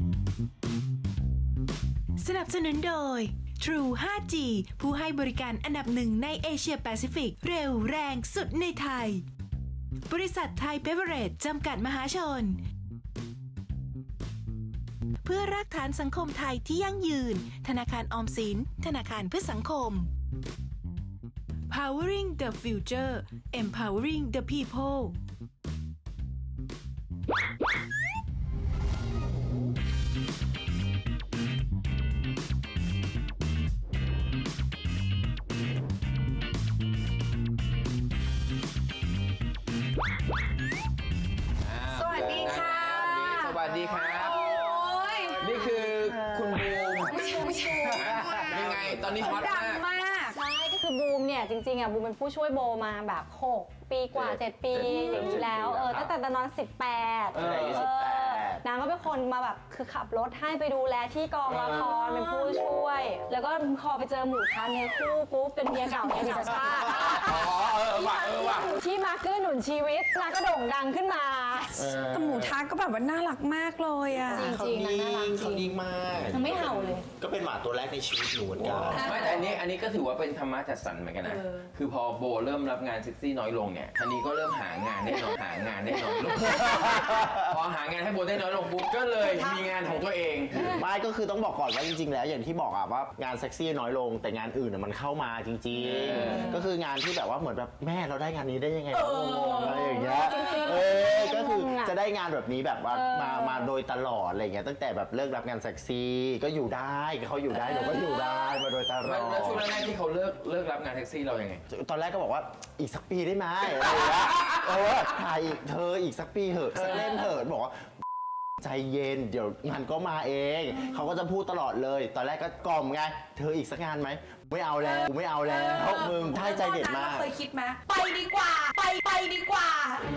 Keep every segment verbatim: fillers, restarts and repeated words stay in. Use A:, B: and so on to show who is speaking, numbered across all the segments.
A: สนับสนุนโดย True ไฟว์จี ผู้ให้บริการอันดับหนึ่งในเอเชียแปซิฟิกเร็วแรงสุดในไทยบริษัทไทยเบเวอเรจจำกัดมหาชนเพื่อรากฐานสังคมไทยที่ยั่งยืนธนาคารออมสินธนาคารเพื่อสังคม Powering the Future Empowering the People
B: สวัสดีค่ะ
C: สวัสดีครับ
B: โอ้ย
C: นี่คือคุณบูม
B: ไม่ใช่ไม่ใช่
C: ยังไงตอนนี้ฮอต
B: ดัง
C: มาก
B: มาก
D: ใช่ก็คือบูมเนี่ยจริงๆอ่ะบูมเป็นผู้ช่วยโบมาแบบหกปีกว่า
C: เจ็ด
D: เจ็ดปี
C: เจ็ด
D: อย่างนี้แล้ว
C: เจ็ดปี
D: เออ
C: แล้ว
D: ตั้งแต่ตอนนั้นสิบแปด
C: เอออายุสิบแปด
D: นางก็เป็นคนมาแบบคือขับรถให้ไปดูแลที่กองละครเป็นผู้ช่วย แล้วก็พอไปเจอหมู่คันเนื้อคู่ปุ๊บเป็นเมียเก่าเมียพิชาติ
C: อ๋อเออว่ะเออว่ะ
D: ที่มาเกื้อหนุนชีวิตนางก็โด่งดังขึ้นมา
B: แต่หมูทาก็แบบว่าน่ารักมากเลยอ่ะ
D: จริง
E: เขา
D: จริง
E: นิ่
D: นะน่ารัก
E: ง
D: จ
E: เขา
D: ริง
E: นิ่งมาก
D: มันไม่เห่าเลย
E: ก็เป็นหมาตัวแรกในชีวิตหนูเหมือนกัน
C: ไม่แต่อันนี้อันนี้ก็ถือว่าเป็นธรรมะจัดสรรเหมือนกันนะ คือพอโบเริ่มรับงานเซ็กซี่น้อยลงเนี่ยทีนี้ก็เริ่มหางานได้น้อยหางานได้น้อยลง พอหางานให้โบได้น้อยลงปุ๊บก็เลยมีงานของตัวเอง
E: ไม่ก็คือต้องบอกก่อนว่าจริงๆ แล้วอย่างที่บอกอะว่างานเซ็กซี่น้อยลงแต่งานอื่นอะมันเข้ามาจริงๆ ก็คืองานที่แบบว่าเหมือนแบบแม่เราได้งานนี้ได้ยังไงวะงงๆอะไรอย่างเงี้ยเออก็คือจะได้งานแบบนี้แบบว่ามามาโดยตลอดอะไรอย่างเงี้ยตั้งแต่แบบเลิกรับงานเซ็กซี่ก็อยู่ได้เขาอยู่ได้เราก็อยู่ได้มาโดยตลอ
C: แล้วแล้วช่วง
E: ด
C: แรกๆที่เขาเลิกเลิกรับงานแท็กซี่เรายังไง
E: ตอนแรกก็บอกว่าอีกสักปีได้ไหมอะไรอย่างเงี้ยเออถ่ายอีกเธออีกสักปีเถอะสักเล่มเถอะบอกว่าใจเย็นเดี๋ยวงานก็มาเองเขาก็จะพูดตลอดเลยตอนแรกก็กล่อมไงเธออีกสักงานไหมไม่เอาแล้วไม่เอาแล้วมึงท่าใจเด็ดมาก
B: เคยคิดไหมไปดีกว่า ไปไปดีกว่า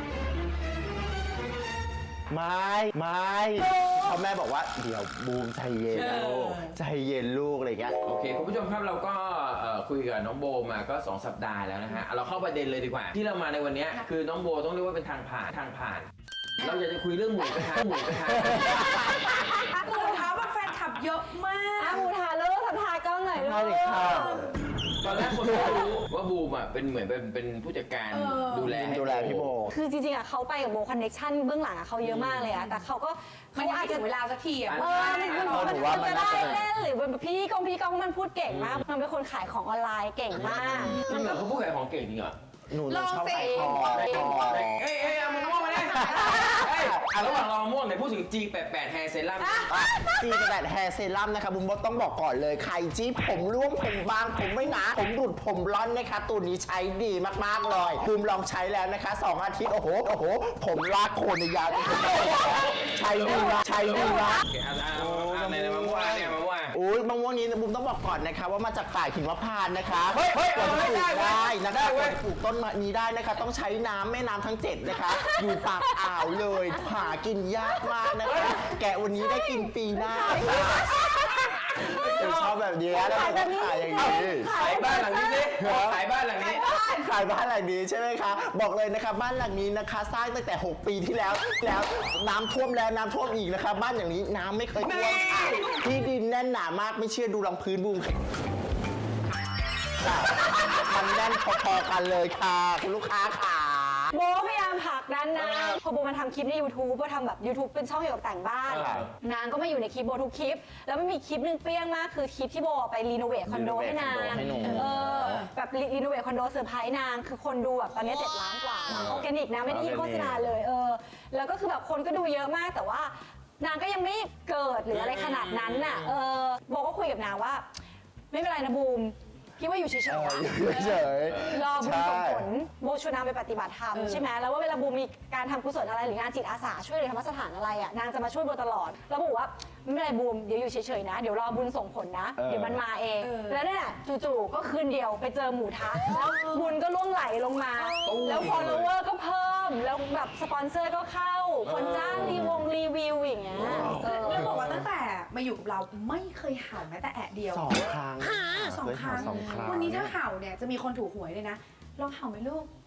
E: ไม่ไม่เพราะแม่บอกว่าเดี๋ยวบูมใจเย็นนะลูกใจเย็นลูกอะไรอย่างเงี้ย
C: โอเคคุณผู้ชมครับเราก็เอ่อคุยกับน้องโบมาก็สองสัปดาห์แล้วนะฮะเราเข้าประเด็นเลยดีกว่า ที่เรามาในวันนี้คือน้องโบต้องเรียกว่าเป็นทางผ่านทางผ่าน เราอยากจะคุยเรื่องหมูกระทะหมูกระทะ
B: หมูทาแบบแฟนคลับเยอะมาก
D: อ่ะหมูทาเลิกทำทากล้องหน่อยลู
E: ได้เลยค่ะ
D: ก
C: ตอนแรกคนไม่รู้ว่าบูมอ่ะเป็นเหมือนเป็นเป็นผู้จัดการดูแลให้
E: ดูแลพี่โบ
D: คือจริงๆอ่ะเขาไปกับโบคอนเนคชั่นเบื้องหลังอ่ะเขาเยอะมากเลยอ่ะแต่เขาก็
B: มันยังไม่ถึงเวลาสักทีอ่ะ
D: เออมันมัน
E: เออ
D: มัน
E: หนูว่ามัน
D: จะได้
E: น่าจะ
D: เล่นหรือเป็นพี่กองพี่กองมันพูดเก่งมาก มันเป็นคนขายของออนไลน์เก่งมาก
C: จริงเหรอเขาพูดขายของเก่งจริงเหรอ
E: หนูหนูชอบ
B: ลองสิ
E: ขายของขายของ
C: เอ้ยเอ้ยเอามะม่วงมาเนี่ยเอ้ยอ่ะระหว่างรอมะม่วงเนี่ยพูดถึง จี แปดสิบแปด Hair Serum
E: จีนแบบแฮร์เซรั่มนะคะบุมบอกต้องบอกก่อนเลยใครจี้ผมร่วงผมบางผมไม่หนาผมหลุดผมร้อนนะคะตัวนี้ใช้ดีมากๆเลยบุมลองใช้แล้วนะคะสองอาทิตย์โอ้โหโอ้โหผมลากโคนในยาวใช้ดีนะใช้ดีนะ
C: โอเคอ่ะอ่ะอ่ะในในมะม่วงอ่ะเนี่ยมะม่วงอ่ะ
E: อุ้ยมะม่วงนี้บุมต้องบอกก่อนนะคะว่ามาจากป่าหินมะพร้าวนะคะ
C: เฮ้ยเฮ้ย
E: กว่าจะปลูก
C: ได้เว้ย
E: ได้นะคะ
C: ได้เว้
E: กว่าย จะปลูกต้นนี้ได้นะคะ ต้องใช้น้ำแม่น้ำทั้งเจ็ดนะคะ อยู่ปากอ่าวเลยหากินยากมากนะคะ แกะวันนี้ได้กินปีหน้าค่ะชอบแบบนี้แล้วผมก็ขายอย่างนี้
C: ขายบ้านหลังนี้สิขายบ้านหลังนี้
E: ขายบ้านหลังนี้ใช่ไหมคะ บอกเลยนะคะบ้านหลังนี้นะคะสร้างตั้งแต่หกปีที่แล้ว แล้วน้ำท่วมแล้วน้ำท่วมอีกนะคะ บ้านอย่างนี้น้ำไม่เคยท่วมค่ะที่ดินแน่นหนามากไม่เชื่อดูรองพื้นบูมค่ะมันแน่นพอๆกันเลยค่ะคุณลูกค้าค่ะ
D: โบพยายามผลักดันนางพอโบมาทำคลิปใน YouTube โบทำแบบ YouTube เป็นช่องเกี่ยวกับแต่งบ้าน
C: เออ
D: นางก็มาอยู่ในคลิปโบทุกคลิป แล้วมันมีคลิปหนึ่งเปรี้ยงมากคือคลิปที่โบไปรีโนเวทคอนโดให้นาง
E: รีโนเวทคอนโดให้หนู
D: เออแบบรีโนเวทคอนโดเซอร์ไพรส์นางคือคนดูแบบตอนนี้เจ็ดล้านกว่าออร์แกนิกนะไม่ได้ยินโฆษณาเลยเออแล้วก็คือแบบคนก็ดูเยอะมากแต่ว่านางก็ยังไม่เกิดหรืออะไรขนาดนั้นน่ะเออโบก็คุยกับนางว่า ไม่เป็นไรนะบูมพี่ว่าอยู่เฉยๆ
E: เออ
D: นะ
E: อยู่เฉยๆ
D: รอบุญส่งผล
E: ใช่
D: โบชวนางไปปฏิบัติธรรมใช่ไหมแล้วว่าเวลาบูมมีการทำกุศลอะไรหรืองานจิตอาสาช่วยเหลือธรรมสถานอะไรอ่ะนางจะมาช่วยโบตลอดแล้วบอกว่าไม่เป็นไรบูมเดี๋ยวอยู่เฉยๆนะเดี๋ยวรอบุญส่งผลนะ
E: เออ
D: เดี๋ยวมันมาเอง แล้วเนี่ยจู่ๆก็คืนเดียวไปเจอหมูทะแล้วบุญก็ล่วงไหลลงมา แล้ว follower ก็เพิ่มแล้วแบบสปอนเซอร์ก็เข้า คนจ้างรีวงรีวิวอย่างเงี้ยเออ
B: แล้วบอกว่าตั้งแต่มาอยู่กับเราไม่เคยเห่าแม้แต่แอะเดียว
E: สองครั้ง
B: สองครั้ง
E: สองครั้ง
B: วันนี้ถ้าเห่าเนี่ยจะมีคนถูกหวยเลยนะ ลองเห่าไหมลูก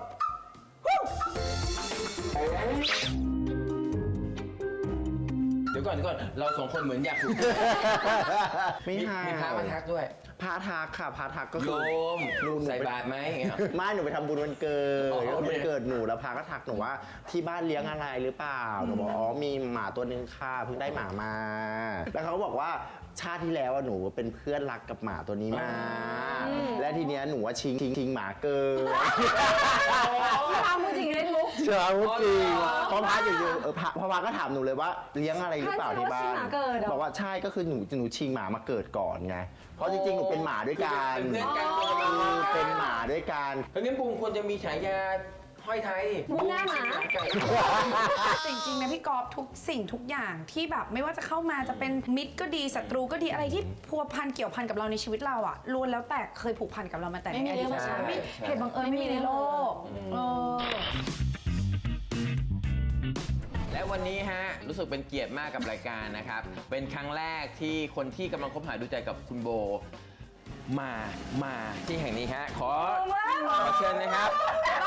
C: เดี๋ยวดี๋ยวก่อนเดี๋ยวก่อนเราสองคนเหมือนอยากถูก
E: ไม่
C: มี
E: ห่าง
C: มีพระมาทักด้วย
E: พาทักค่ะพาทักก็
C: โย
E: คือ
C: ม
E: หนูหนู
C: ใส่บาตรไหมอย่างเงี้ย
E: ไม่หนูไปทำบุญวันเกิด
C: อ๋อโอเค
E: วันเกิดหนูแล้วพาก็ทักหนูว่าที่บ้านเลี้ยงอะไรหรือเปล่าหนูบอกอ๋อมีหมาตัวนึงค่ะเพิ่งได้หมามา แล้วเขาก็บอกว่าชาติที่แล้วอะหนูเป็นเพื่อนรักกับหมาตัวนี้มา และทีเนี้ยหนูว่าชิงชิงชิงหมาเกิน
D: พี่พาพูดจริงเล่นมุก
E: เชื่อพูดจริง
C: อ๋อ
E: พอพาอยู่ๆเออพาพอพาก็ถามหนูเลยว่าเลี้ยงอะไรหรือเปล่าที่บ้า
D: ท่าน
E: น
D: จะว่าชิงหมาเกิดเหรอ
E: บอกว่าใช่ก็คือหนูหนูชิงหมามาเกิดก่อนไงเพราะจริงๆหนูเป็นหมาด้วยกัน
C: เป็นเพื่อนกัน
E: คือเป็นหมาด้วยกัน
C: เพราะงั้นบูมควรจะมีฉายาห้อยไทย
D: บูมหน้าหมา
C: ไก่
B: แต่จริงๆนะพี่กอล์ฟทุกสิ่งทุกอย่างที่แบบไม่ว่าจะเข้ามาจะเป็นมิตรก็ดีศัตรูก็ดีอะไรที่พัวพันเกี่ยวพันกับเราในชีวิตเราอะล้วนแล้วแต่เคยผูกพันกับเรามาแต่
D: ไม่มี
B: ในอดีต
D: เรื่อง
B: ชาติ
D: ใช่
B: ไม่เหตุบังเอิญไม่มีในโลกเออ
C: และวันนี้ฮะรู้สึกเป็นเกียรติมากกับรายการนะครับ เป็นครั้งแรกที่คนที่กำลังคบหาดูใจกับคุณโบ มา มาที่แห่งนี้ฮะขอขอเชิญนะครับ